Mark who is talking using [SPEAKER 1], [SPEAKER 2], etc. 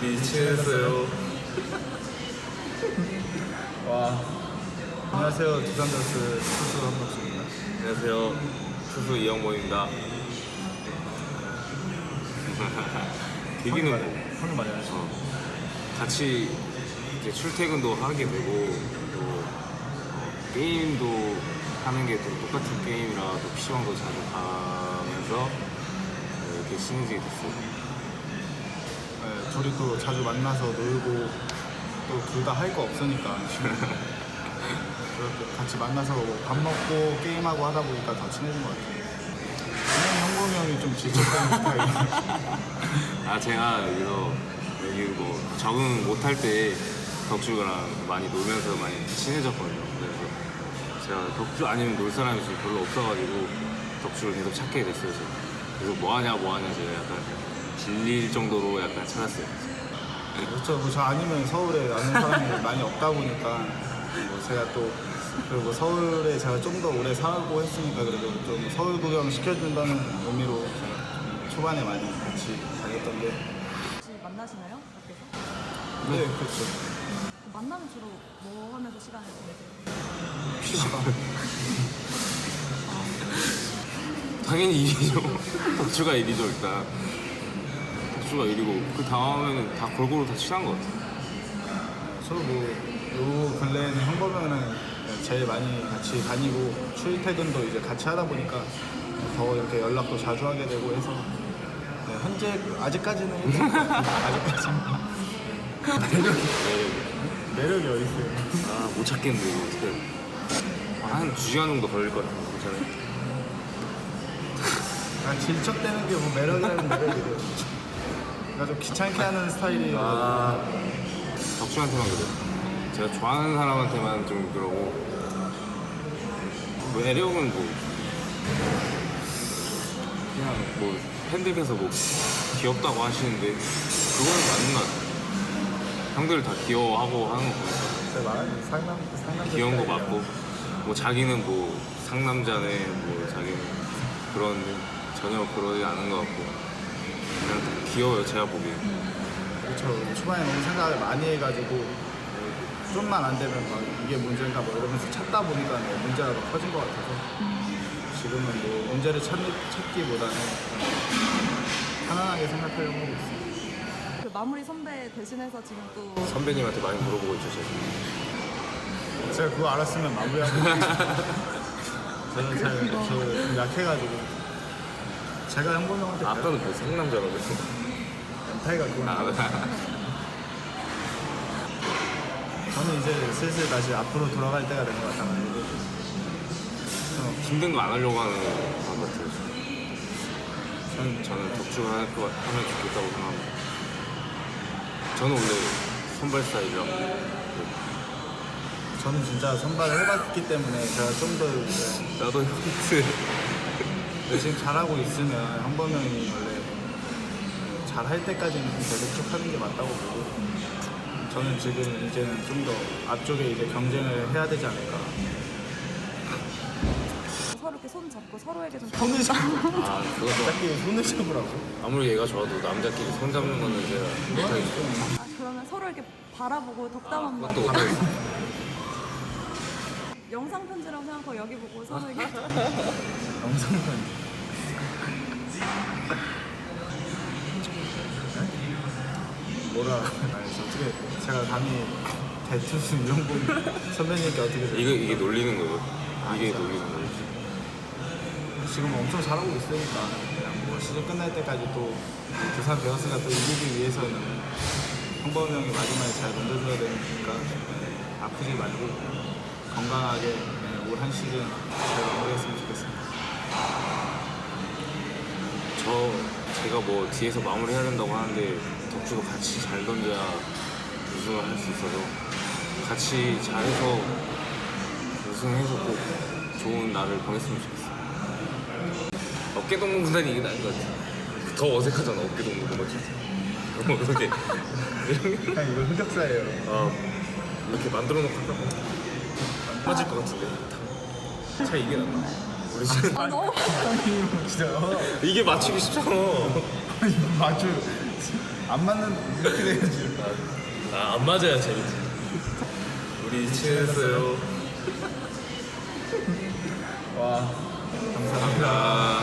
[SPEAKER 1] 우리 친했어요.
[SPEAKER 2] 와. 안녕하세요. 두산더스 투수 한박수입니다.
[SPEAKER 1] 안녕하세요. 투수 이영모입니다. 계기는 뭐
[SPEAKER 2] 형님 많이 하시죠?
[SPEAKER 1] 같이 이제 출퇴근도 하게 되고 또 게임도 하는 게 또 똑같은 게임이라 또 PC방도 자주 가면서 이렇게 친해지게 됐어요.
[SPEAKER 2] 네, 둘이 또 자주 만나서 놀고 또 둘 다 할 거 없으니까 그렇게 같이 만나서 밥 먹고 게임하고 하다 보니까 더 친해진 것 같아요. 분명히 형범이 형이 좀 질척거리는 스타일이에요.
[SPEAKER 1] 아 제가 여기 뭐 적응 못할 때 덕주랑 많이 놀면서 많이 친해졌거든요. 그래서 제가 덕주 아니면 놀 사람이 지금 별로 없어가지고 덕주를 계속 찾게 됐어요. 제가. 그래서 뭐하냐 제가 약간 질릴 정도로 약간 찾았어요.
[SPEAKER 2] 그렇죠. 뭐 저 아니면 서울에 아는 사람이 많이 없다 보니까 뭐 제가 또 그리고 서울에 제가 좀 더 오래 살고 했으니까 그래도 좀 서울 구경 시켜준다는 의미로 제가 좀 초반에 많이 같이 다녔던 게
[SPEAKER 3] 혹시 만나시나요? 밖에서?
[SPEAKER 2] 네, 그렇죠.
[SPEAKER 3] 만나면 주로 뭐 하면서 시간을 보내세요?
[SPEAKER 2] PC방.
[SPEAKER 1] 당연히 이기죠. 덕주가 이기죠 일단. 덕주가 이기고 그 다음에는 다 골고루 다 친한 것 같아요.
[SPEAKER 2] 서로 요 근래에는 형범이랑 제일 많이 같이 다니고 출퇴근도 이제 같이 하다 보니까 더 이렇게 연락도 자주 하게 되고 해서 네, 현재 아직까지는 1등. 아직까지는 매력이 어디 있어요?
[SPEAKER 1] 아 못 찾겠는데 이거 어떻게 한 2시간 정도 걸릴 것 같아요. 괜찮아요?
[SPEAKER 2] 질척대는 게 뭐 매력이라는 매력이래요. 그러니까 좀 귀찮게 하는 스타일이에요.
[SPEAKER 1] 아 덕주한테만 그래요. 제가 좋아하는 사람한테만 좀 그러고 매력은 뭐 그냥 뭐 팬들께서 뭐 귀엽다고 하시는데 그거는 맞는 것 같아요. 형들 다 귀여워하고 하는 거 보니까
[SPEAKER 2] 제가 말하는 상남
[SPEAKER 1] 귀여운 거 맞고 뭐 자기는 뭐 상남자네 뭐 자기는 그런 전혀 그러지 않은 것 같고 그냥 다 귀여워요 제가 보기엔.
[SPEAKER 2] 그렇죠. 초반에 너무 생각을 많이 해가지고 좀만 안 되면 막 이게 문제인가 뭐 이러면서 찾다 보니까 문제가 더 커진 것 같아서 지금은 뭐 문제를 찾기보다는 편안하게 생각하려고 하고 있어요.
[SPEAKER 3] 그 마무리 선배 대신해서 지금 또
[SPEAKER 1] 선배님한테 많이 물어보고 있죠 제가.
[SPEAKER 2] 제가 그거 알았으면 마무리하고 저는 좀 약해가지고 제가 형범 형한테
[SPEAKER 1] 아까는 뭐 상남자라고 했어.
[SPEAKER 2] 멘탈가 그건 저는 이제 슬슬 다시 앞으로 돌아갈 때가 된 것 같아가지고
[SPEAKER 1] 힘든 거 안 하려고 하는 것 같아요. 저는 덕주가 하면 좋겠다고 생각합니다. 저는 원래 선발 스타일이라
[SPEAKER 2] 저는 진짜 선발을 해봤기 때문에 제가 좀 더
[SPEAKER 1] 나도 형트
[SPEAKER 2] 열심히 잘하고 있으면 형범 형이 원래 잘할 때까지는 계속 쭉 하는 게 맞다고 보고 저는 지금 이제는 좀 더 앞쪽에 이제 경쟁을 해야 되지 않을까.
[SPEAKER 3] 서로 이렇게 손 잡고 서로에게 좀
[SPEAKER 2] 손을 잡고
[SPEAKER 1] 아 그것도
[SPEAKER 2] 남자끼리 손을 잡으라고.
[SPEAKER 1] 아무리 얘가 좋아도 남자끼리 손 잡는 거는 제가 못하겠죠.
[SPEAKER 3] 아, 그러면 서로 이렇게 바라보고 덕담 한번
[SPEAKER 1] 그것도 못하겠어.
[SPEAKER 3] 영상 편지라고 생각하고 여기 보고 서로에게
[SPEAKER 2] 영상 편지. 뭐라 아니 어떻게 제가 감히 대투수 이용범 선배님께 어떻게
[SPEAKER 1] 이게 놀리는 거예요. 이게
[SPEAKER 2] 진짜?
[SPEAKER 1] 놀리는 거예요.
[SPEAKER 2] 지금 엄청 잘하고 있으니까 그냥 뭐 시즌 끝날 때까지 또 두산 베어스가 또 이기기 위해서는 형범 형이 마지막에 잘 던져줘야 되니까 아프지 말고 건강하게 올 한 시즌 잘 마무리했으면 좋겠습니다.
[SPEAKER 1] 제가 뭐 뒤에서 마무리해야 된다고 하는데 덕주도 같이 잘 던져야 우승을 할 수 있어서 같이 잘해서 우승해서 꼭 좋은 날을 보냈으면 좋겠어요. 어깨동무 구단이 이게 나은 것 같아. 더 어색하잖아 어깨동무 구단 너무 어색해.
[SPEAKER 2] 그냥 이거 흑역사예요.
[SPEAKER 1] 아 이렇게 만들어 놓고 하다가 빠질 것 같은데 차 이게 낫나? 우리 지금
[SPEAKER 3] 아 너무
[SPEAKER 2] 진짜
[SPEAKER 1] 이게 맞추기 쉽잖아.
[SPEAKER 2] 맞죠. 안 맞는 이렇게 돼야지.
[SPEAKER 1] 안 맞아야 재밌지. 우리 친했어요.
[SPEAKER 2] 와 감사합니다.
[SPEAKER 1] 아.